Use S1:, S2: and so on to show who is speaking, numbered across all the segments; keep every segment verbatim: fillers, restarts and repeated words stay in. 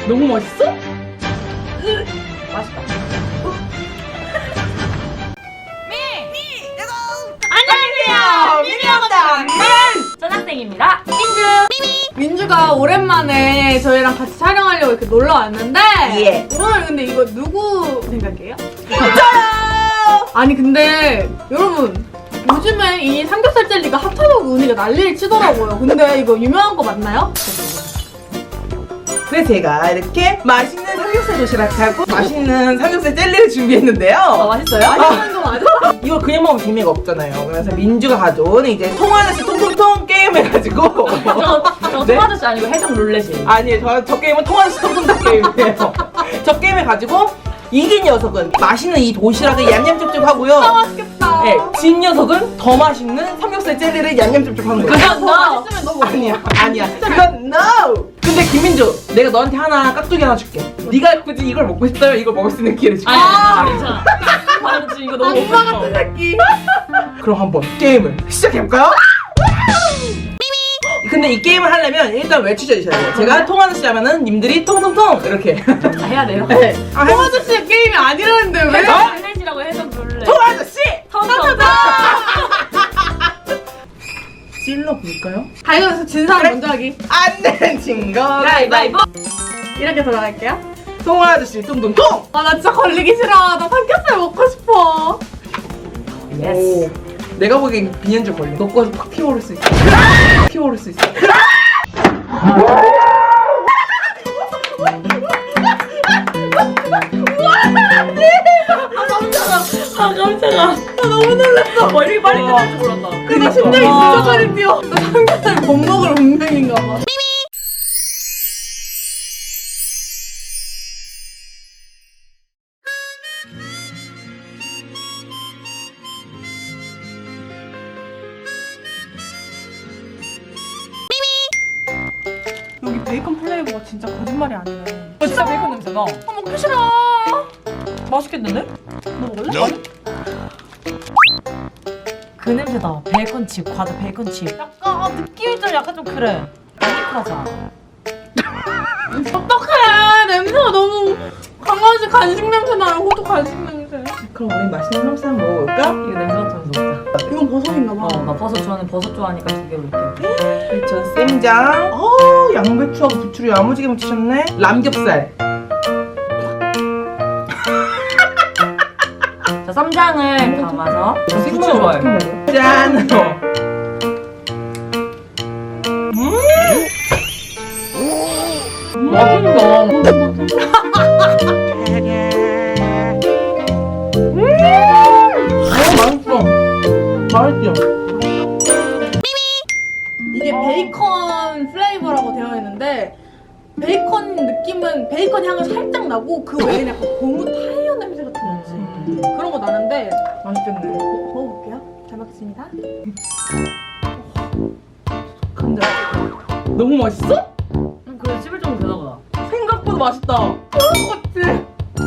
S1: 너무 맛있어?
S2: 맛있다.
S1: 안녕하세요, 미미였다.
S2: 전학생입니다. 민주.
S3: 민주가 오랜만에 저희랑 같이 촬영하려고 이렇게 놀러 왔는데
S1: 예.
S3: 오늘 근데 이거 누구 생각이에요? 저요! 아니 근데 여러분 요즘에 이 삼겹살 젤리가 핫하다고 은희가 난리를 치더라고요. 근데 이거 유명한 거 맞나요?
S1: 그래서 제가 이렇게 맛있는 삼겹살 도시락하고 맛있는 삼겹살 젤리를 준비했는데요.
S2: 어, 맛있어요?
S3: 맛있는 거 맞아?
S1: 이걸 그냥 먹으면 재미가 없잖아요. 그래서 민주가 가져온 이제 통하나씩 통통통 게임 해가지고
S2: 저, 저
S1: 네?
S2: 토마토씨 아니고 해적 룰렛이에요.
S1: 아니에요. 저, 저 게임은 통하나씩 통통통 게임이에요. 저 게임 해가지고 이긴 녀석은 맛있는 이 도시락을 얌얌쪽쪽 하고요.
S3: 아 맛있겠다.
S1: 네, 진 녀석은 더 맛있는 삼겹살 젤리를 얌얌쪽쪽 하는 거예요.
S2: 그건
S3: 더
S2: 너.
S3: 맛있으면 너 먹어.
S1: 아니야, 아니야. 그건 no. 근데 김민주, 내가 너한테 하나 깍두기 하나 줄게. 네가 굳이 이걸 먹고 싶다면 이걸 먹을 수 있는 기회를 줄게.
S2: 아니, 아니, 괜찮아. 나는 지금 이거 너무 먹고
S3: 악마
S2: 싶어.
S3: 같은 새끼.
S1: 그럼 한번 게임을 시작해볼까요? 근데 이 게임을 하려면 일단 외치셔야 돼요. 제가 통아저씨 하면은 님들이 통통통 이렇게.
S2: 다 해야 돼요.
S1: 네. 아,
S3: 통 아저씨의 게임이 아니라는데 왜?
S2: 해적 룰렛이라고 해적 룰렛.
S1: 통아저씨!
S2: 통통통.
S1: 찔러 볼까요?
S3: 가위바위보 진 사람
S1: 그래.
S3: 먼저 하기.
S1: 안 되는 친구.
S2: 가위바위보.
S3: 이렇게 들어갈게요.
S1: 통아저씨 뚱뚱통!
S3: 아 나 진짜 걸리기 싫어. 나 삼겹살 먹고 싶어.
S1: 오. 내가 보기엔 비엔줄 걸려. 너 거까지 팍 피워오를 수 있어. 팍 피워오를 수 있어.
S2: 아 깜짝아. 아, 너무 놀랐어. 뭐 이렇게 빨리 끝날 줄 몰랐다.
S3: 근데 심장이 진짜 빨리 뛰어. 나 삼겹살 못 먹을 운명인가 봐. 여기 베이컨 플레이버가 진짜 거짓말이 아니네.
S2: 어, 진짜 베이컨 냄새 나.
S3: 아 먹기 싫어.
S2: 맛있겠는데?
S3: 너 먹을래?
S2: 그 냄새다. 베이컨칩, 과자 베이컨칩. 약간 아, 느낌이 좀 약간 좀 그래. 아니크라자.
S3: 어떡해. 냄새가 너무 강아지 간식 냄새 나요. 호두 간식 냄새.
S1: 그럼 우리 맛있는 삼겹살 한번 먹어볼까?
S2: 이거 냄새 맡으면서 먹자.
S3: 이건 버섯인가 봐.
S2: 어, 나 버섯 좋아하는 버섯 좋아하니까 두 개 올게.
S1: 전 쌈장. 어 양배추하고 부추를 야무지게 묻히셨네. 남겹살.
S2: 자, 쌈장을 담아서. 저 부추 좋아해.
S1: 짠. 음.
S2: 맛있다.
S1: 어 맛있어. 맛있죠.
S3: 이게 베이컨 플레이버라고 되어 있는데 베이컨 느낌은 베이컨 향은 살짝 나고 그 외에는 약간 고무 타이어 냄새 같은 거 있지. 그런 거 나는데
S1: 맛있겠네.
S3: 어, 먹어볼게요. 잘 먹겠습니다.
S1: 근데 너무 맛있어?
S2: 음, 그래 씹을 정도 되나 보다.
S1: 생각보다 맛있다.
S3: 그런 거 같지?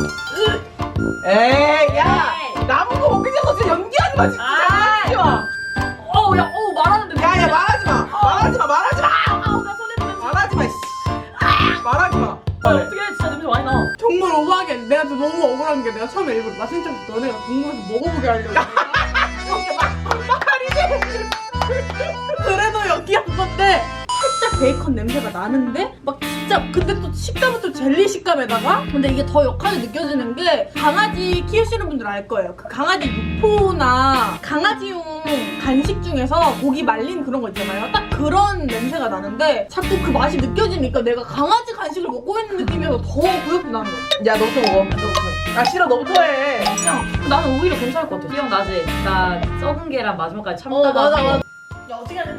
S1: 에이 야 남은 거 먹기 전에 진짜 연기하지 마 진짜.
S2: 아.
S1: 하지 마.
S2: 어우, 야, 어우, 말하는데.
S1: 야야 말하지 마. 말하지 마. 말하지 마.
S2: 아우, 나 손에 냄새.
S1: 말하지 마. 씨. 말하지 마.
S2: 아, 어떻게 해? 진짜 냄새 많이 나.
S3: 정말 오버하게 내가 진짜 너무 억울한 게 내가 처음에 일부러 맛있는 척 너네가 궁금해서 먹어보게 하려고 그래도 여기 한 건데 살짝 베이컨 냄새가 나는데 막 진짜 근데 또 식감은 또 젤리 식감에다가 근데 이게 더 역하게 느껴지는 게 강아지 키우시는 분들 알 거예요. 그 강아지 육포나 강아지용 간식 중에서 고기 말린 그런 거 있잖아요. 딱 그런 냄새가 나는데 자꾸 그 맛이 느껴지니까 내가 강아지 간식을 먹고 있는 느낌이어서 더 구역이 나는 거야.
S1: 야 너부터 먹어. 아 싫어 너부터 해.
S2: 그냥 나는 오히려 괜찮을 것 같아. 기억나지? 나 썩은 계란 마지막까지 참다가.
S3: 어 맞아 맞아. 야 어떻게 해야 되나?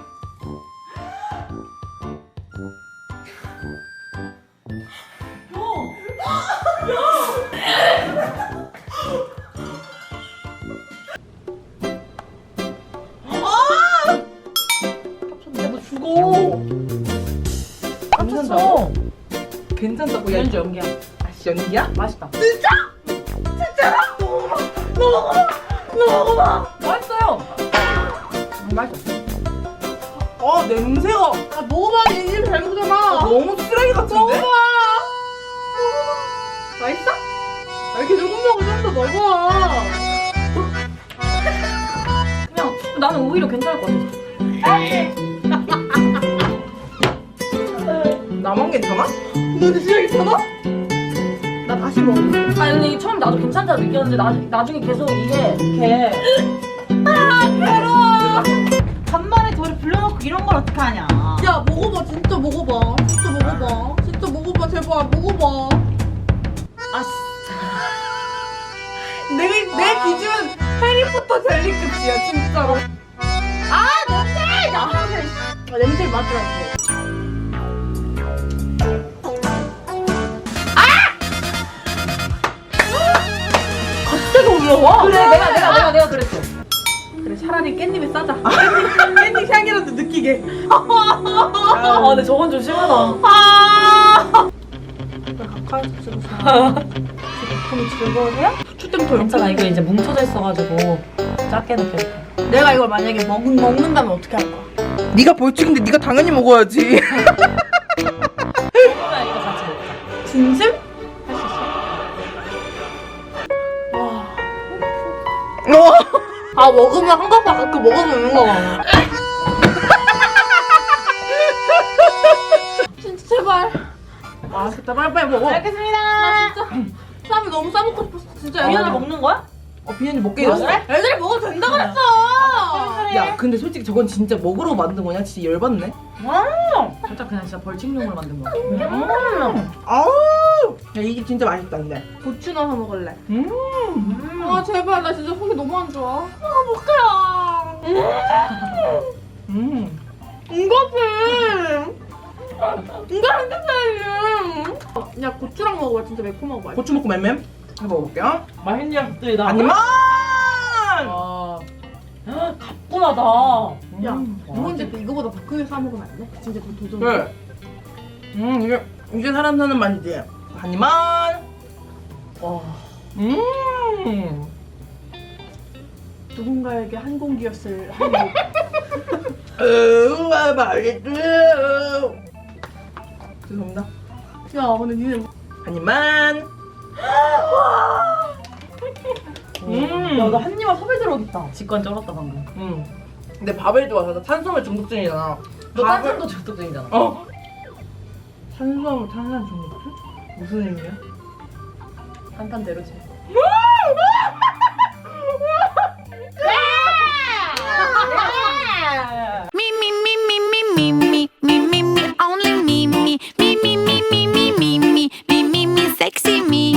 S2: 너 죽어. 깜짝어.
S1: 괜찮다고 야.
S2: 연주 연기야.
S1: 아씨 연기야?
S2: 맛있다.
S3: 너 먹어봐. 너 먹어봐.
S2: 맛있어요. 음, 맛있어.
S1: 아 냄새가
S3: 아 먹어봐. 이 입 잘 먹잖아.
S1: 너무 쓰레기 같은데?
S3: 먹어봐. 맛있어? 아, 이렇게 조금 먹어 좀더 먹어.
S2: 그냥 나는 오히려 괜찮을 것 같아.
S1: 나만 괜찮아?
S3: 너 진짜 괜찮아? 나 다시 먹어.
S2: 아니 근데 이게 처음 나도 괜찮다고 느꼈는데 나, 나중에 계속 이게 이렇게
S3: 아 괴로워.
S2: 간만에 저를 불러놓고 이런 걸 어떻게 하냐.
S3: 야 먹어봐 진짜 먹어봐. 진짜 먹어봐. 진짜 먹어봐 제발 먹어봐.
S2: 아 씨.
S3: 내, 내 기준 해리포터 젤리급이야 진짜로. 아 냄새! 나 아, 냄새 맡으라고.
S1: 갑자기 올라와?
S2: 그래 내가 내가 내가 내가 그랬어.
S3: 그래 차라리 깻잎에 싸자. 깻잎, 깻잎 향이라도 느끼게.
S2: 아 근데 저건 좀 심하다.
S3: 아. 가까이 찍어서. 제품이 즐거우세요? 후추 때문에 더
S2: 괜찮아 이거 이제 뭉쳐져 있어가지고 작게 느껴져.
S3: 내가 이걸 만약에 먹, 먹는다면 어떻게 할 거야?
S1: 네가 벌칙인데 네가 당연히 먹어야지.
S2: 그러면 이거 같이 먹자.
S3: 진심?
S1: 어.
S3: 아 먹으면 한 가닥 가끔 먹어도 되는 거야. 진짜 제발. 맛있겠다 빨리빨리 먹어.
S2: 알겠습니다.
S3: 나 진짜 쌈이 너무 싸먹고 싶었어 진짜.
S2: 미연아 먹는 거야?
S1: 어 비현이 먹게 해줬어?
S3: 애들이 먹어도 된다 그랬어.
S1: 야 근데 솔직히 저건 진짜 먹으러 만든 거냐? 진짜 열받네.
S2: 살짝 그냥 진짜 벌칙용으로 만든 거야.
S1: 음. 아우. 야 이게 진짜 맛있다 근데.
S3: 고추 넣어서 먹을래.
S1: 음.
S3: 아 제발 나 진짜 속이 너무 안 좋아. 아 못해요.
S1: 음.
S3: 이거지. 이거 핸드폰이야. 야 고추랑 먹어봐 진짜 매콤하고 맛있어.
S1: 고추 먹고 맴맴 해먹어볼게요.
S2: 맛있냐 갑자기다.
S1: 아니만.
S2: 아 가뿐하다.
S3: 야
S1: 음.
S3: 누군지 때 이거보다 더 크게 싸 먹으면 안 돼? 진짜 그 도전.
S1: 그래. 음 이게 이게 사람 사는 맛이지. 하니만.
S2: 와.
S1: 음.
S3: 누군가에게 한 공기였을 한국.
S1: 으아 맛있어. 죄송합니다.
S3: 야 근데 니네
S1: 하니만. 음.
S2: 야나 한 입만 섭외 들어오겠다. 직관 쩔었다 방금.
S1: 음. 근데 밥을 좋아서 나 탄수화물 중독증이잖아.
S2: 너
S1: 밥을-
S2: 탄산도 중독적이잖아.
S1: 어. 탄수화물 탄산 중독증? 무슨 의미야?
S2: 탄탄대로지.
S4: Me, me, me, me, me, me, me.